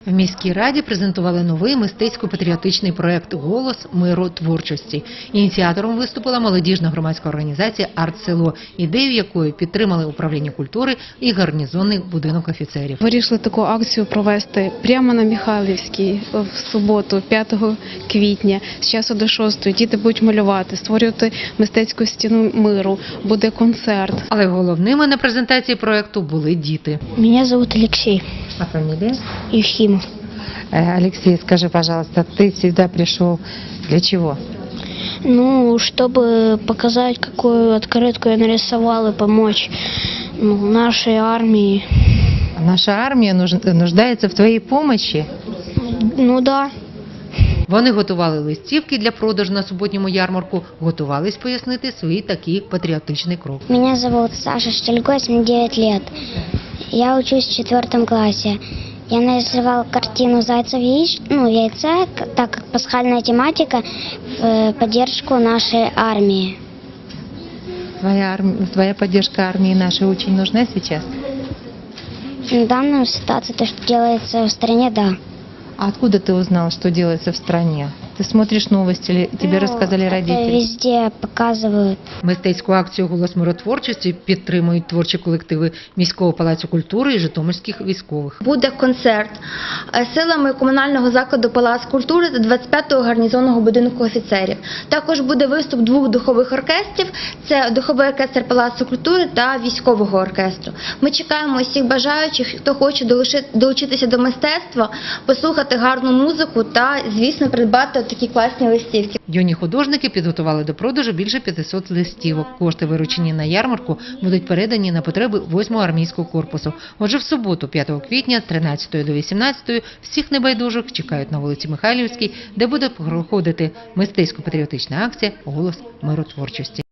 В міській раді презентували новий мистецько-патріотичний проект «Голос миротворчості». Ініціатором виступила молодіжна громадська організація «Арт-село», ідею якої підтримали управління культури і гарнізонний будинок офіцерів. Вирішили таку акцію провести прямо на Михайлівській в суботу, 5 квітня, з часу до 6. Діти будуть малювати, створювати мистецьку стіну миру, буде концерт. Але головними на презентації проекту були діти. Меня зовут Алексей А фамілія? Ефимов. Алексей, скажи, пожалуйста, ты сюда пришел для чего? Ну, чтобы показать, какую открытку я нарисовал и помочь нашей армии. Наша армія нуждається в твоїй помощи. Ну да. Вони готували листівки для продажу на суботньому ярмарку, готувались пояснити свій такий патріотичний крок. Меня зовут Саша Штельгось, мне 9 лет. Я учусь в 4 классе. Я нарисовал картину «Зайцев яйца», так как пасхальная тематика, в поддержку нашей армии. Твоя поддержка армии нашей очень нужна сейчас? В данной ситуации то, что делается в стране, да. А откуда ты узнал, что делается в стране? Ты смотришь новости, или тебе розказали Это родители? везде показывают. Мистецьку акцію «Голос миротворчості» підтримують творчі колективи міського палацу культури і житомирських військових. Буде концерт силами комунального закладу Палац культури та 25-го гарнізонного будинку офіцерів. Також буде виступ 2 духових оркестрів – це духовий оркестр Палацу культури та військового оркестру. Ми чекаємо усіх бажаючих, хто хоче долучитися до мистецтва, послухати гарну музику та, звісно, придбати такі класні листівки. Юні художники підготували до продажу більше 500 листівок. Кошти, виручені на ярмарку, будуть передані на потреби 8-го армійського корпусу. Отже, в суботу, 5 квітня, з 13 до 18 всіх небайдужих чекають на вулиці Михайлівській, де буде проходити мистецько-патріотична акція «Голос миротворчості».